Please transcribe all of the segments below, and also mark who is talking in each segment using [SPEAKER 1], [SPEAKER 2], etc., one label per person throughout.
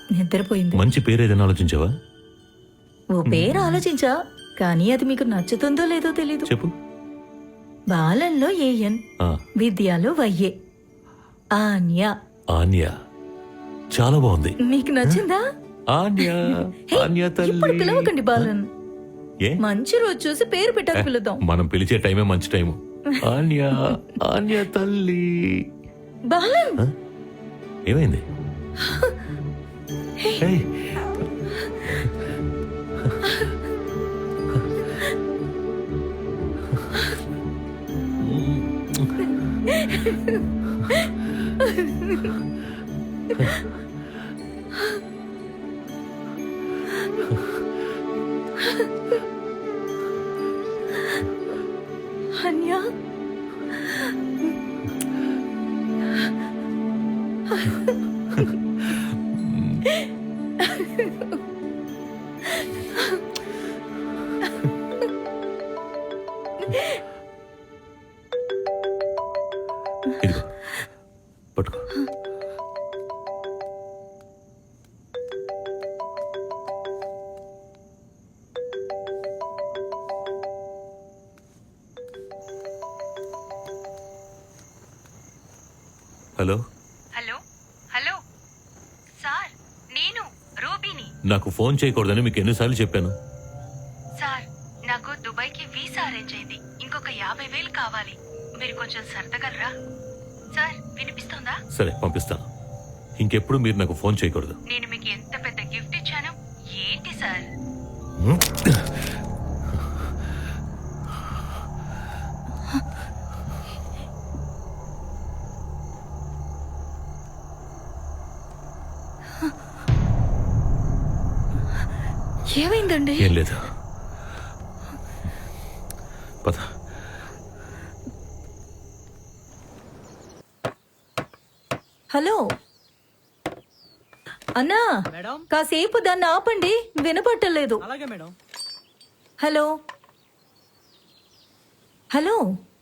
[SPEAKER 1] నిద్రపోయింది.
[SPEAKER 2] మంచి పేరు ఏదైనా ఆలోచించావా?
[SPEAKER 1] ఓ పేరు ఆలోచించా, కానీ అది మీకు నచ్చుతుందో లేదో తెలీదు.
[SPEAKER 2] చెప్పు.
[SPEAKER 1] బాలన్లో ఏఎన్, విద్యాలో వైఏ. ఆన్య.
[SPEAKER 2] ఆన్య చాలా బాగుంది.
[SPEAKER 1] మీకు నచ్చిందా?
[SPEAKER 2] ఆన్య. ఆన్య తల్లి.
[SPEAKER 1] ఇప్పుడు పిలవకండి బాలన్.
[SPEAKER 2] ఏ?
[SPEAKER 1] మంచి రోజు చూసి పేరు పెట్టాక పిలుద్దాం.
[SPEAKER 2] మనం పిలిచే టైమే మంచి టైము. ఆన్య. ఆన్య తల్లి.
[SPEAKER 1] బాలన్
[SPEAKER 2] ఏమైంది? ఏయ్.
[SPEAKER 1] అన్య,
[SPEAKER 2] ఇదిగో పట్టుకో. హలో.
[SPEAKER 3] హలో హలో సార్, నేను రూబీని.
[SPEAKER 2] నాకు ఫోన్ చేయకూడదని మీకు ఎన్నిసార్లు చెప్పాను?
[SPEAKER 3] సార్, నాకు దుబాయ్కి వీసా అరేంజ్ అయింది. ఇంకొక 50,000 కావాలి. మీరు కొంచెం సర్దగలరా? సార్, వినిపిస్తోందా?
[SPEAKER 2] సరే, పంపిస్తాను. ఇంకెప్పుడు మీరు నాకు ఫోన్ చేయకూడదు.
[SPEAKER 3] నేను మీకు ఎంత పెద్ద గిఫ్ట్ ఇచ్చాను. ఏంటి సార్?
[SPEAKER 1] ఏమైందండి?
[SPEAKER 2] ఏం లేదు, పద.
[SPEAKER 1] హలో అన్నా, కాసేపు దాన్ని ఆపండి, వినపట్టలేదు.
[SPEAKER 4] అలాగే మేడం.
[SPEAKER 1] హలో హలో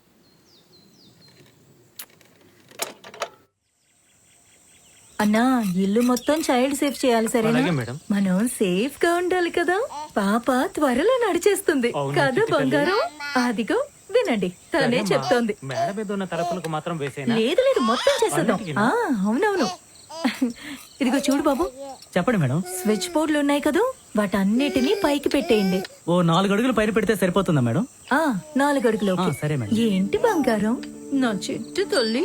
[SPEAKER 1] అన్నా, ఇల్లు మొత్తం చైల్డ్ సేఫ్ చేయాలి, సరేనా?
[SPEAKER 4] అలాగే మేడం.
[SPEAKER 1] మనం సేఫ్ గా ఉండాలి కదా. పాప త్వరలో నడిచేస్తుంది
[SPEAKER 4] అవునా,
[SPEAKER 1] కదా
[SPEAKER 4] చిట్టి తల్లి?
[SPEAKER 1] బంగారం. అదిగో వినండి, తనే
[SPEAKER 4] సరేమ్మా.
[SPEAKER 1] చెప్తోంది.
[SPEAKER 4] మేడ మీద ఉన్న తలుపులకు మాత్రం వేసేనా?
[SPEAKER 1] లేదు లేదు, మొత్తం చేసేద్దాం.
[SPEAKER 4] అన్నిటికీనా?
[SPEAKER 1] అవునవును. ఇదిగో చూడు బాబు,
[SPEAKER 4] చెప్పండి మేడం.
[SPEAKER 1] స్విచ్ బోర్డులు ఉన్నాయి కదా, వాటన్నిటినీ పైకి పెట్టేయండి.
[SPEAKER 4] ఓ 4 అడుగులు పైన పెడితే సరిపోతుందా మేడం?
[SPEAKER 1] 4 అడుగులోకి.
[SPEAKER 4] సరే మేడం.
[SPEAKER 1] ఏంటి బంగారం, నా చెట్టు తల్లి.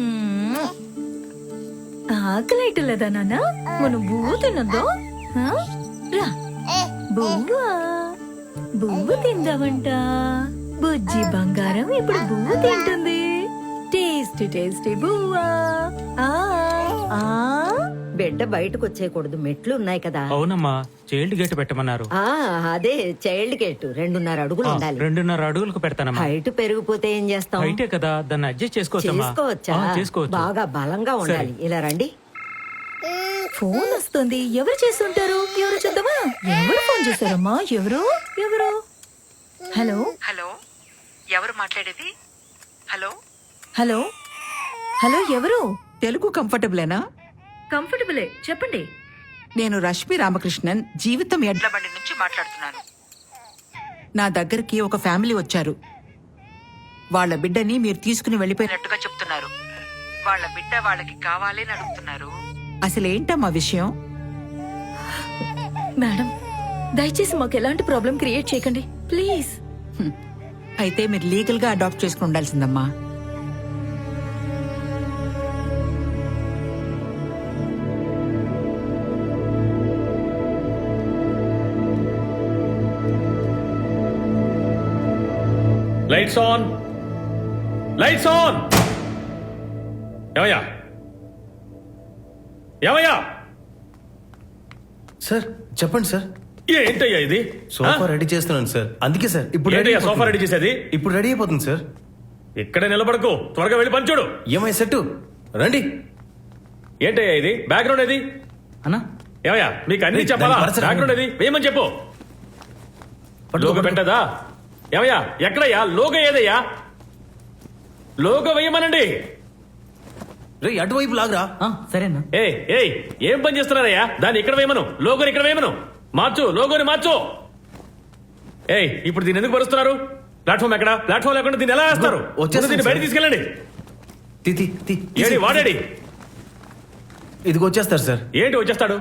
[SPEAKER 1] ఆకలేయటలేదా నాన్న? మనం బువ్వ తినద్దా? రా, బువ్వా బువ్వ తిందామంట. బుజ్జి బంగారం ఇప్పుడు బువ్వ తింటుంది. టేస్టీ టేస్టీ బువ్వా.
[SPEAKER 5] బిడ్డ బయటకు వచ్చేయకూడదు, మెట్లు ఉన్నాయి కదా.
[SPEAKER 4] అవునమ్మా, చైల్డ్ గేట్ పెట్టమన్నారు.
[SPEAKER 5] అదే చైల్డ్ గేట్ 2.5 అడుగులు ఉండాలి.
[SPEAKER 4] 2.5 అడుగులకు పెడతానమ్మా.
[SPEAKER 5] హైట్ పెరిగిపోతే ఏం చేస్తాం?
[SPEAKER 4] హైటే కదా, దాన్ని అడ్జస్ట్ చేసుకోవచ్చా?
[SPEAKER 5] చేసుకోవచ్చు. బాగా బలంగా ఉండాలి. ఇలా రండి.
[SPEAKER 1] ఫోన్ వస్తుంది, ఎవరు చేస్తుంటారు? ఎవరు చూద్దామా? ఎవరు ఫోన్ చేశారమ్మా? ఎవరు ఎవరు? హలో
[SPEAKER 3] హలో, ఎవరు మాట్లాడేది? హలో
[SPEAKER 1] హలో హలో, ఎవరు?
[SPEAKER 6] తెలుగు కంఫర్టబులేనా?
[SPEAKER 1] కంఫర్టబులే, చెప్పండి.
[SPEAKER 6] నేను రష్మి రామకృష్ణన్, జీవితం ఎడ్ల
[SPEAKER 3] బండి నుంచి మాట్లాడుతున్నాను.
[SPEAKER 6] నా దగ్గరికి ఒక ఫ్యామిలీ వచ్చారు. వాళ్ళ బిడ్డని మీరు తీసుకుని వెళ్ళిపోయినట్టు.
[SPEAKER 3] నట్టుగా చెప్తున్నారు. వాళ్ళ బిడ్డ వాళ్ళకి కావాలి అని అడుగుతున్నారు.
[SPEAKER 6] అసలేంటమ్మా విషయం?
[SPEAKER 1] మేడం, దయచేసి మాకు ఎలాంటి ప్రాబ్లం క్రియేట్ చేయకండి ప్లీజ్.
[SPEAKER 6] అయితే మీరు లీగల్ గా అడాప్ట్ చేసుకుని ఉండాల్సిందమ్మా.
[SPEAKER 7] Lights on, lights on. ఏమయ్యా, ఏమయ్యా?
[SPEAKER 8] సార్ చెప్పండి సార్.
[SPEAKER 7] ఏంటయ్యా ఇది?
[SPEAKER 8] సోఫా రెడీ చేస్తున్నాను సార్. అందుకే సార్ ఇప్పుడు
[SPEAKER 7] ఏంటయ్యా సోఫా రెడీ చేసేది?
[SPEAKER 8] ఇప్పుడు రెడీ అయిపోతుంది సార్.
[SPEAKER 7] ఇక్కడే నిలబడకు, త్వరగా వెళ్ళి పని చూడు.
[SPEAKER 8] ఏమై సెట్టు రండి.
[SPEAKER 7] ఏంటయ్యా ఇది? బ్యాక్గ్రౌండ్ ఏది?
[SPEAKER 4] అన్నా,
[SPEAKER 7] ఏమయ్యా, మీకు అన్ని చెప్పాలా?
[SPEAKER 8] దాన్ని పరచకండి.
[SPEAKER 7] బ్యాక్గ్రౌండ్ ఏది? వేయమని చెప్పు. లోగో పెట్టదా? ఏమయ్యా, ఎక్కడయ్యా లోగో? ఏదయ్యా లోగో వేయమనండి.
[SPEAKER 8] రే అటువైపు లాగరా.
[SPEAKER 4] సరేనా?
[SPEAKER 7] ఏయ్ ఏం పని చేస్తున్నారయ్యా? దాన్ని ఇక్కడ వేయమను, లోగోని ఇక్కడ వేయమను. మార్చు, లోగోని మార్చు. ఇప్పుడు దీన్ని ఎందుకు పరుస్తున్నారు? ప్లాట్ఫామ్ ఎక్కడ? ప్లాట్ఫామ్ లేకుండా దీన్ని ఎలా వేస్తారు?
[SPEAKER 8] వచ్చేస్తుంది
[SPEAKER 7] దీన్ని బయట
[SPEAKER 8] సార్.
[SPEAKER 7] తీసుకెళ్ళండి.
[SPEAKER 8] ఏడి
[SPEAKER 7] వాడేడి?
[SPEAKER 8] ఇదిగో వచ్చేస్తారు సార్.
[SPEAKER 7] ఏంటి వచ్చేస్తాడు?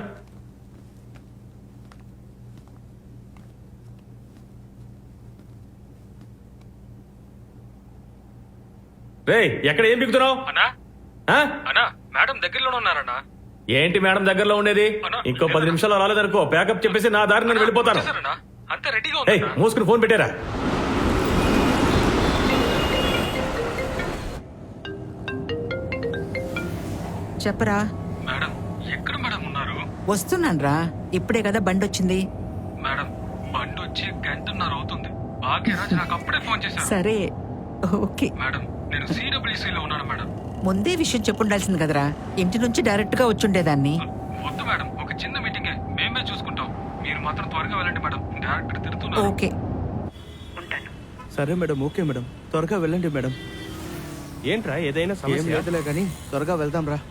[SPEAKER 7] ఎక్కడ ఏం బిగుతున్నావు?
[SPEAKER 9] మేడం దగ్గరలోనే ఉన్నారన్నా.
[SPEAKER 7] ఏంటి మేడం దగ్గరలో ఉండేది? ఇంకో 10 నిమిషాలు రాలేదనుకో ప్యాకప్ చెప్పేసి నా దారి నేను వెళ్ళిపోతాను.
[SPEAKER 9] అంత రెడీగా
[SPEAKER 7] మూసుకుని ఫోన్ పెట్టారా?
[SPEAKER 6] చెప్పరా.
[SPEAKER 9] మేడం ఎక్కడ మేడం ఉన్నారు?
[SPEAKER 6] వస్తున్నాన్రా, ఇప్పుడే కదా బండి వచ్చింది.
[SPEAKER 9] మేడం బండి వచ్చి గంటన్నర అవుతుంది. భాగ్యరాజ్ నాకు అప్పుడే ఫోన్ చేశారు.
[SPEAKER 6] సరే ఓకే.
[SPEAKER 9] మేడం నేను CWC లో ఉన్నాను మేడం.
[SPEAKER 6] ముందే విషయం చెప్పుండాల్సింది కదరా, ఇంటి నుంచి డైరెక్ట్ గా వచ్చుండేదాన్ని.
[SPEAKER 9] వద్దు మేడం, ఒక చిన్న మీటింగే, మేమే చూసుకుంటాం. మీరు మాత్రం త్వరగా వెళ్ళండి మేడం, డైరెక్టర్ తిడుతున్నారు.
[SPEAKER 6] ఓకే.
[SPEAKER 10] సరే మేడం, ఓకే మేడం, త్వరగా వెళ్ళండి మేడం.
[SPEAKER 7] ఏంట్రా ఏదైనా
[SPEAKER 10] ఏం లేదులే కానీ త్వరగా వెళ్దాం రా.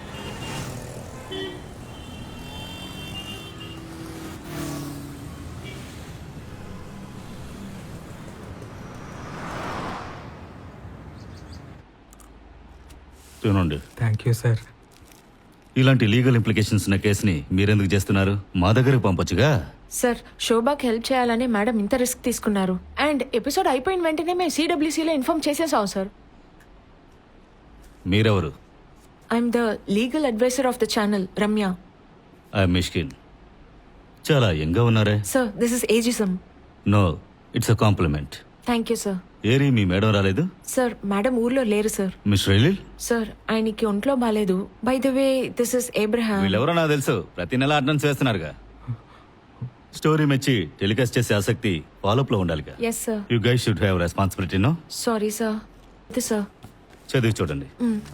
[SPEAKER 2] చూడండి,
[SPEAKER 9] థ్యాంక్ యూ సార్.
[SPEAKER 2] ఇలాంటి లీగల్ ఇంప్లికేషన్స్ ఉన్న కేసుని మీరెందుకు చేస్తున్నారు? మా దగ్గరకు పంపొచ్చుగా.
[SPEAKER 11] సార్, శోభాకి హెల్ప్ చేయాలని మేడం ఇంత రిస్క్ తీసుకున్నారు. అండ్ ఎపిసోడ్ అయిపోయిన వెంటనే మేము CWCలో ఇన్ఫార్మ్ చేసేసాం సార్.
[SPEAKER 2] మీరెవరు?
[SPEAKER 11] I'm the legal adviser of the channel, Ramya.
[SPEAKER 2] I Mishkin. చాలా యంగా ఉన్నారే.
[SPEAKER 11] Sir, this is ageism.
[SPEAKER 2] No, it's a compliment.
[SPEAKER 11] Thank you sir.
[SPEAKER 2] ఏరి మీ మేడం రాలేదు?
[SPEAKER 11] సార్, మేడం ఊర్లో లేరు సార్.
[SPEAKER 2] మిస్ రైలిల్?
[SPEAKER 11] సార్, ఆయనకి ఒంట్లో బాలేదు. By the way, this is Abraham.
[SPEAKER 2] వీళ్ళెవరో నాకు తెలుసు, ప్రతి నెల అటెండెన్స్ వేస్తున్నారుగా. స్టోరీ మెచ్చి టెలికాస్ట్ చేసే ఆసక్తి ఫాలోఅప్ లో ఉండాలిగా.
[SPEAKER 11] Yes sir.
[SPEAKER 2] You guys should have responsibility. No
[SPEAKER 11] sorry sir. ఇది సార్.
[SPEAKER 2] చదివి చూడండి.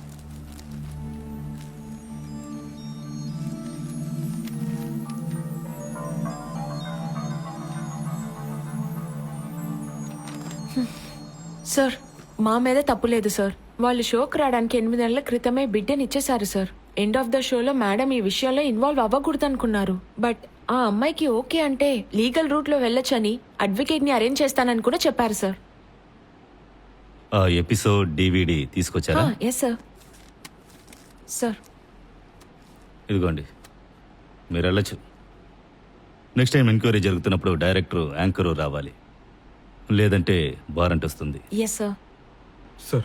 [SPEAKER 11] సార్, మా మీద తప్పు లేదు సార్. వాళ్ళు షోకి రావడానికి 8 నెలల క్రితమే బిడ్డని ఇచ్చేశారు సార్. ఎండ్ ఆఫ్ ద షోలో మేడం ఈ విషయంలో ఇన్వాల్వ్ అవ్వకూడదు అనుకున్నారు. బట్ ఆ అమ్మాయికి ఓకే అంటే లీగల్ రూట్ లో వెళ్ళొచ్చని అడ్వకేట్ ని అరేంజ్ చేస్తానని కూడా చెప్పారు సార్.
[SPEAKER 2] ఆ ఎపిసోడ్ DVD తీసుకొచ్చారా?
[SPEAKER 11] Yes sir. సార్,
[SPEAKER 2] ఇదిగోండి, మీరు వెళ్ళచ్చు. నెక్స్ట్ టైం ఎంక్వైరీ జరుగుతున్నప్పుడు డైరెక్టర్, యాంకరు రావాలి, లేదంటే వారెంట్ వస్తుంది.
[SPEAKER 11] Yes sir.
[SPEAKER 9] సార్,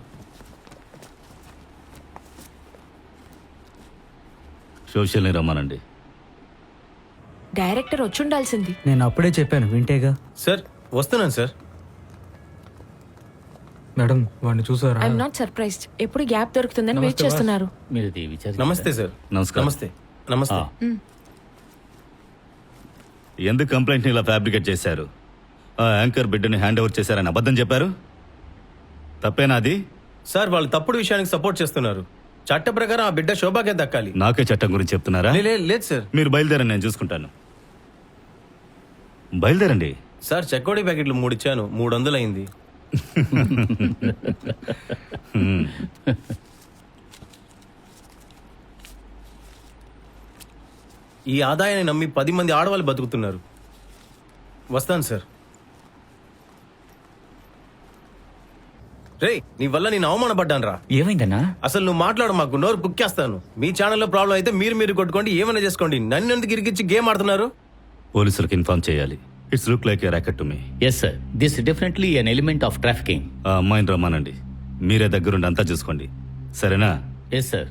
[SPEAKER 2] సోషల్ని రమ్మానండి.
[SPEAKER 11] డైరెక్టర్ వచ్చుండాల్సింది.
[SPEAKER 4] నేను అప్పుడే చెప్పాను, వింటేగా.
[SPEAKER 8] సార్ వస్తున్నాను సార్.
[SPEAKER 9] మేడం వాడిని చూసారా?
[SPEAKER 11] I'm not surprised. ఎప్పుడు గ్యాప్ దొరుకుతుందని వెయిట్ చేస్తున్నారు.
[SPEAKER 8] నమస్తే సార్.
[SPEAKER 2] నమస్కారం.
[SPEAKER 8] నమస్తే. నమస్తే.
[SPEAKER 2] ఎందుకు కంప్లైంట్ని ఇలా ఫ్యాబ్రికేట్ చేశారు? ఆ యాంకర్ బిడ్డని హ్యాండ్ ఓవర్ చేశారని అబద్ధం చెప్పారు. తప్పేనా అది?
[SPEAKER 8] సార్ వాళ్ళు తప్పుడు విషయానికి సపోర్ట్ చేస్తున్నారు. చట్ట ప్రకారం ఆ బిడ్డ శోభాకే దక్కాలి.
[SPEAKER 2] నాకే చట్టం గురించి చెప్తున్నారా?
[SPEAKER 8] లేదు సార్.
[SPEAKER 2] మీరు బయలుదేరండి, నేను చూసుకుంటాను. బయలుదేరండి.
[SPEAKER 8] సార్ చెక్కోడి ప్యాకెట్లు 3 ఇచ్చాను, 300 అయింది. ఈ ఆదాయాన్ని నమ్మి 10 మంది ఆడవాళ్ళు బతుకుతున్నారు. వస్తాను సార్. రే, నీ వల్ల నేను అవమానపడ్డాను రా.
[SPEAKER 4] ఏమైందన్నా?
[SPEAKER 8] అసలు నువ్వు మాట్లాడు, మాకు నోరు కుక్కేస్తాను. మీ ఛానల్లో ప్రాబ్లం అయితే మీరు కొట్టుకోండి, ఏమైనా చేసుకోండి. నన్ను ఎందుకు ఇరికిచ్చి గేమ్ ఆడుతున్నారు?
[SPEAKER 2] పోలీసులకు ఇన్ఫార్మ్ చేయాలి. It's look like a racket to me.
[SPEAKER 12] Yes sir, this definitely an element of trafficking.
[SPEAKER 2] ఆ అమ్మాయిని రమ్మానండి. మీరే దగ్గరుండి అంతా చూసుకోండి, సరేనా?
[SPEAKER 12] Yes sir.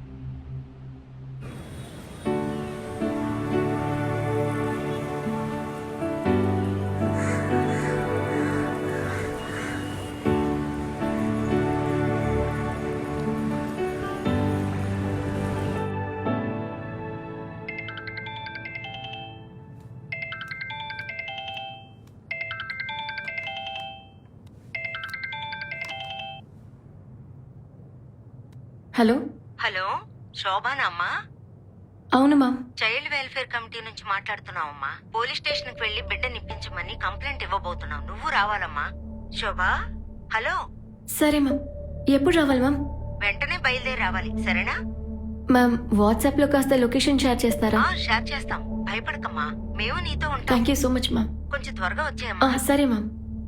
[SPEAKER 11] హలో.
[SPEAKER 5] హలో, శోభానా అమ్మా?
[SPEAKER 11] అవును మ్యామ్.
[SPEAKER 5] చైల్డ్ వెల్ఫేర్ కమిటీ నుంచి మాట్లాడుతున్నావమ్మా. పోలీస్ స్టేషన్ కి వెళ్లి బిడ్డ నిప్పించమని కంప్లైంట్ ఇవ్వబోతున్నావు. నువ్వు రావాలమ్మా. శోభా, హలో.
[SPEAKER 11] సరే మ్యామ్. ఎప్పుడు రావాలి మ్యామ్?
[SPEAKER 5] వెంటనే బయలుదేరి రావాలి, సరేనా?
[SPEAKER 3] మ్యామ్ వాట్సాప్ లో కాస్త లొకేషన్ షేర్ చేస్తారా?
[SPEAKER 5] షేర్ చేస్తాం, భయపడకమ్మా, మేము నీతో ఉంటాం.
[SPEAKER 3] Thank you so much ma'am.
[SPEAKER 5] కొంచెం త్వరగా వచ్చేయమ్మా.
[SPEAKER 3] సరే మ్యామ్.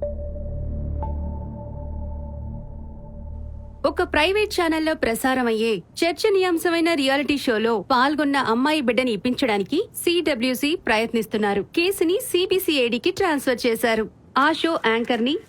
[SPEAKER 1] ఒక ప్రైవేట్ ఛానల్లో ప్రసారమయ్యే చర్చనీయాంశమైన రియాలిటీ షోలో పాల్గొన్న అమ్మాయి బిడ్డని ఇప్పించడానికి సిడబ్ల్యూసి ప్రయత్నిస్తున్నారు. కేసుని సిబిసిఐడికి ట్రాన్స్ఫర్ చేశారు. ఆ షో యాంకర్ ని